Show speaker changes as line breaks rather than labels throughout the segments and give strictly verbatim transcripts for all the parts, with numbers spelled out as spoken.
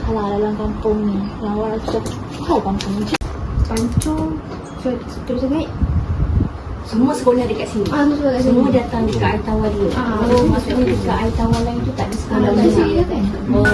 lah dalam kampung ni. Yang orang tu tahu kampung ni. Pancung, so, terus naik.
Semua sekolah dekat sini.
Ah, semua dekat
Semua
sini.
datang dekat air tawar dulu.
Ah,
oh, maksudnya dekat air tawar lain tu tak ada sekolah
Ah,
lain.
tak ada kan?
Oh.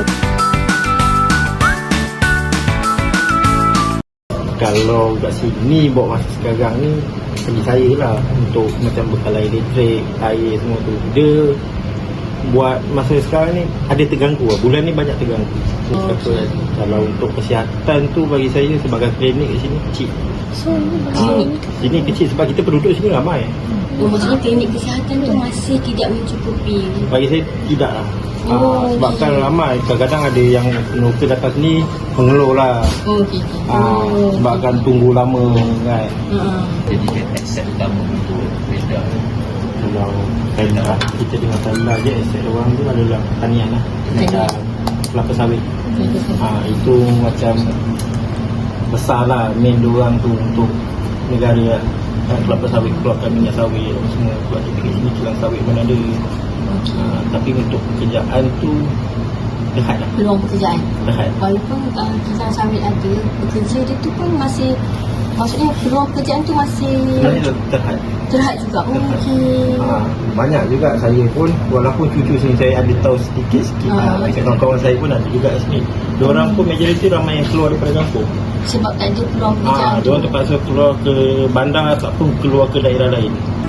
Kalau kat sini bawa masa sekarang ni bagi saya lah untuk macam bekal air elektrik, air semua tu, dia buat masa sekarang ni ada terganggu lah. Bulan ni banyak terganggu.
Oh,
okay. Kan? Kalau untuk kesihatan tu bagi saya sebagai klinik kat sini kecil.
So, ni
ha, sini kecil sebab kita penduduk sini ramai.
Oh, maksudnya klinik kesihatan tu masih tidak mencukupi.
Bagi saya tidak lah.
Oh,
ha, sebab
okay.
kan ramai, kadang-kadang ada yang penukar datang sini mengeluh lah.
Oh, okey.
Ha, sebab kan tunggu lama kan.
Uh-huh.
Jadi dia aset utama untuk beda.
Kalau Thailand, kita dengar Thailand je, aset orang tu adalah pertanian lah. Macam kelapa sawit. Ha, itu macam besar lah main diorang tu untuk negara lah. Ha, kelapa sawit, keluarkan minyak sawit semua. Sebab kita kat sini kilang sawit pun ada. Ha, tapi untuk pekerjaan tu dekat lah.
Peluang pekerjaan.
Dekat.
Walaupun uh, kita sawit ada, bekerja dia tu pun masih, maksudnya peluang pekerjaan tu masih
Sebenarnya terhad.
terhad juga. Oh, okey.
Ha, banyak juga saya pun, walaupun cucu sini saya ada tahu sedikit-sikit.
Ah.
Ha, kawan-kawan saya pun ada juga kat sini. Diorang pun majoriti ramai yang keluar daripada kampung.
Sebab tak ada peluang pekerjaan
Ha,
tu.
diorang terpaksa keluar ke bandar ataupun keluar ke daerah lain.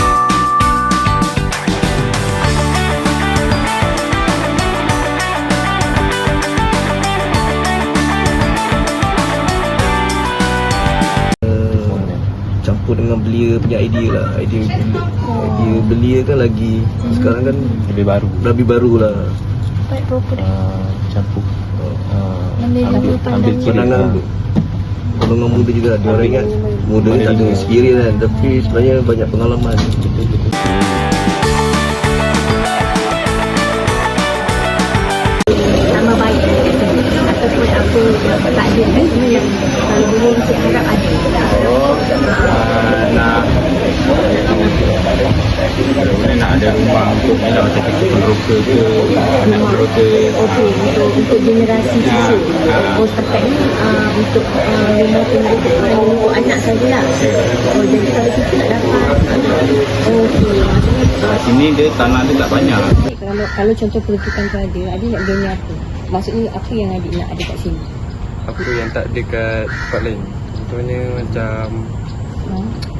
Campur dengan belia punya idea lah. Idea belia, idea belia kan lagi sekarang kan
Lebih baru.
lebih baru lah.
Baik proper dah.
Uh, campur. Uh,
Ambil
ambil,
pandangan.
ambil kiri.
Pandangan golongan muda juga. Dia orang ingat muda ni tak ada experience kan, tapi sebenarnya banyak pengalaman.
Sama baik ataupun apa tak ada kan sebenarnya. Kalau dulu kita harap ada.
Uh, nak Mana nak ada rumah untuk bila macam kita penroka ke anak penroka.
Okey, untuk untuk generasi susu. Oh, setakat ni uh, untuk uh, rumah penduduk uh, anak sajalah. Oh, jadi kalau kita nak dapat okey, maksudnya
Kat sini dia tanah dia tak banyak.
kalau kalau contoh peruntukan tu ada, adik nak bina apa? Maksudnya apa yang adik nak ada kat sini?
Apa yang tak ada kat tempat lain. Contohnya macam
Ha?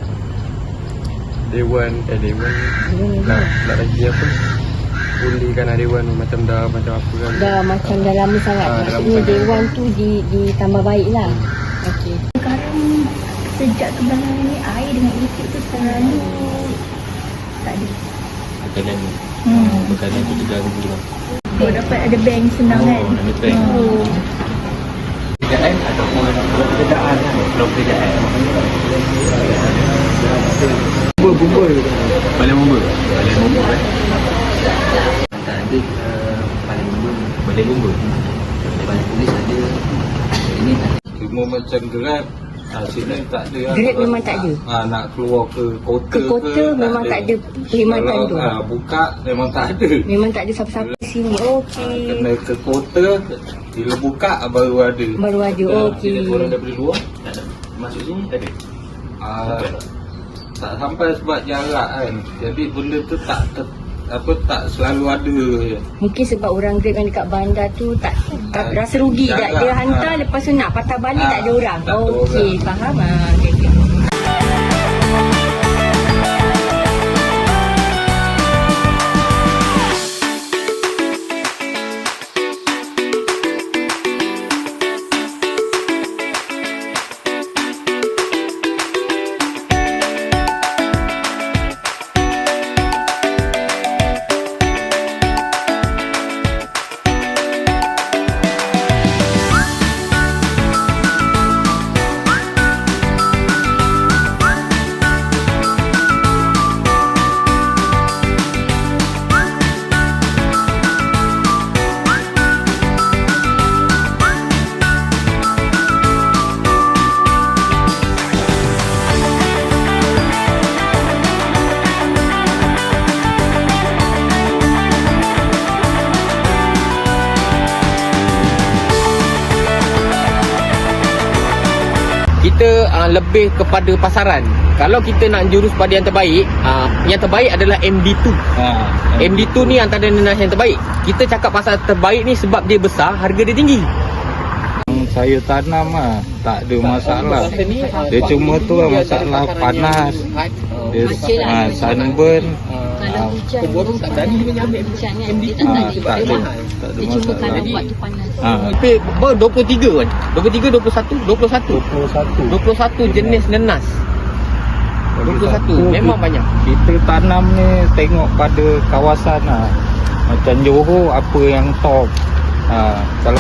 Dewan, eh Dewan
Dewan
nak,
apa?
nak lagi apa, pulihkan lah Dewan tu macam dah macam apa kan.
Dah macam dah lama sangat.
Ah, dah lama
Maksudnya
sangat.
dewan tu di ditambah baik lah. Okey. Sekarang sejak kebelakangan ni air dengan elektrik tu selalu tak ada.
Bekalan ni.
Hmm.
Bekalan tu terganggu lah.
Oh, dapat ada bank senang
Oh,
kan?
ada bank.
Oh.
Pekerjaan ataupun pekerjaan lah. Kalau pekerjaan.
Bumbu-bumbu
Balai bumbu. Balai bumbu kan. Tak ada uh, balai bumbu. Balai bumbu. Balai polis ada. Ini tak ada.
Cuma macam gerak, ha, sini tak ada lah.
Grab memang tak ada?
Ha, nak keluar ke kota
Ke kota memang tak ada perkhidmatan
Kalau,
tu?
ha, buka memang tak ada.
Memang tak ada siapa-siapa di sini.
Ha,
Okey.
kena ke kota, bila buka baru ada.
Baru ada.
Ha,
Okey.
Orang daripada luar tak ada. Masuk sini tak ada.
ha, tak sampai sebab jarak kan. Jadi benda tu tak ter, apa tak selalu ada.
Mungkin sebab orang Grab yang dekat bandar tu tak, tak
Ah,
rasa rugi tak
jarak,
dia hantar
ah.
lepas tu nak patah balik
Ah,
tak ada orang.
tak ada
Okey,
orang.
faham ah. Okey, okey.
kita uh, lebih kepada pasaran. Kalau kita nak jurus pada yang terbaik, uh, yang terbaik adalah M D two.
Ha,
M D two ni antara nenas yang terbaik. Kita cakap pasal terbaik ni sebab dia besar, harga dia tinggi.
saya tanam ah, tak ada masalah. Dia cuma tu lah masalah panas. Dia ah, sunburn.
Kalau hujan, kalau tak berani dia ambil hujan kan, dia tak
Ah,
ada
tak ada,
memang.
tak ada
Dia cuma
masalah.
kalau buat tu panas.
Ah,
Tapi ber dua puluh tiga kan? dua puluh tiga, dua puluh satu, dua puluh satu.
dua puluh satu.
dua puluh satu jenis nenas. dua puluh satu memang banyak.
Kita tanam ni tengok pada kawasan lah. Macam Johor apa yang top. Ha, kalau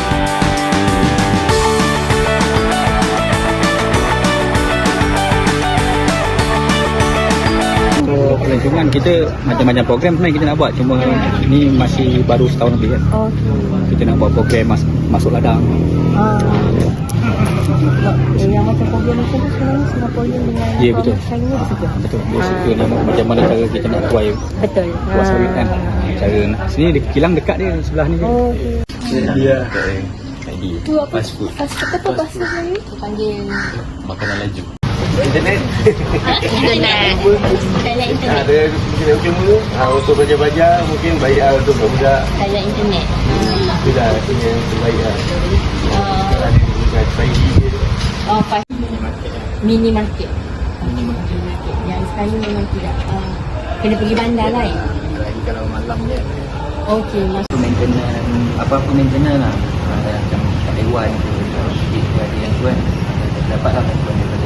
Untuk pelancongan kita macam-macam program sebenarnya kita nak buat, cuma ni masih baru setahun lebih kan.
Okey.
Kita nak buat program mas, masuk ladang.
Ah. Eh, yang macam program macam tu sebenarnya Singaporean dengan
Ya, betul.
Chinese saja.
Betul. Dia
Ah.
suka nama macam mana cara kita nak tuai
Betul.
buat sawit kan.
Ah.
Cara nak sini dia kilang dekat dia sebelah ni je.
Oh, okey.
Dia
Tu apa? Fast food. Fast food apa bahasa Melayu? Kita panggil
makanan laju.
internet. Saya internet.
Ada mungkin cuma ah, untuk belajar-belajar mungkin baik ah, untuk budak
Saya internet.
sudah punya yang terbaik lah.
Uh,
Ada juga Friday dia.
oh, fast mini market. Mini market. Yang sekarang memang tidak. Uh, kena pergi bandar lah. Eh?
Kalau malam je.
Okey, mas.
Maintenance apa-apa maintenance lah. Ada macam hewan tu, kita ada yang tu kan. Dapatlah bantuan daripada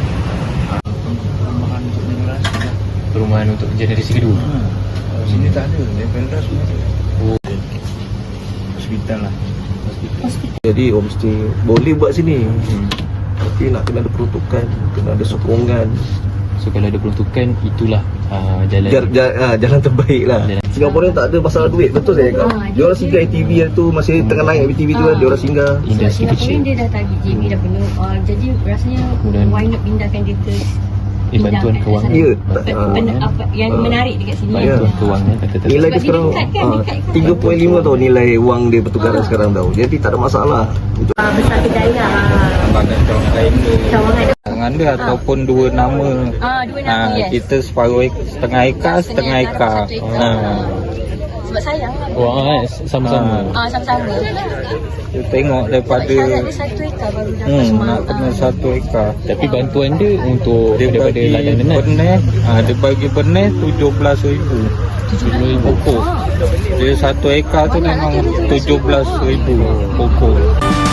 Perumahan untuk generasi kedua.
Sini tak ada, dia pentas semua ada.
Oh.
Hospital lah. Jadi homestay boleh buat sini. Tapi nak kena ada peruntukan, kena ada sokongan.
So kalau ada peruntukan, itulah uh, jalan.
Jar, jar, ah, jalan terbaik lah.
Jalan.
Singaporean tak ada masalah duit, betul saya cakap.
Ah,
Dia orang singgah A T V yang tu masih tengah naik A T V tu kan,
Ah.
dia orang singgah.
Industri
Sebab
kecil.
Singaporean dia dah target J B dah penuh. Uh, jadi rasanya
Kemudian-
why not pindahkan dia ke
Eh, bantuan
pindahkan
kewangan.
ke sana.
Ya,
Pen-
ah.
pen- apa yang
Ah.
menarik dekat sini.
Ya.
Bantuan kewangan kata
Nilai
tak.
dia
Sebab dia
sekarang
dekat kan,
ah,
dekat kan.
tiga perpuluhan lima tau nilai wang dia pertukaran sekarang tau. Jadi tak ada masalah.
Ah, besar kedai lah.
lambangan cawangan lain ke.
Cawangan.
Tangan dia ataupun dua nama.
Ah, dua
Ha,
nama, yes.
kita separuh ek- setengah ekar, setengah ekar.
Satu ekar.
Ha.
Ah. Sebab sayang lah.
Wah, eh, sama-sama.
Ah, sama-sama.
Kita tengok daripada
Syarat dia satu ekar baru dapat
hmm,
semua.
nak kena satu ekar.
Tapi bantuan dia untuk
Dia
daripada
bagi
ladang nenas.
benih, ha, dia bagi benih tujuh belas ribu pokok. Dia satu ekar tu memang tujuh belas ribu pokok.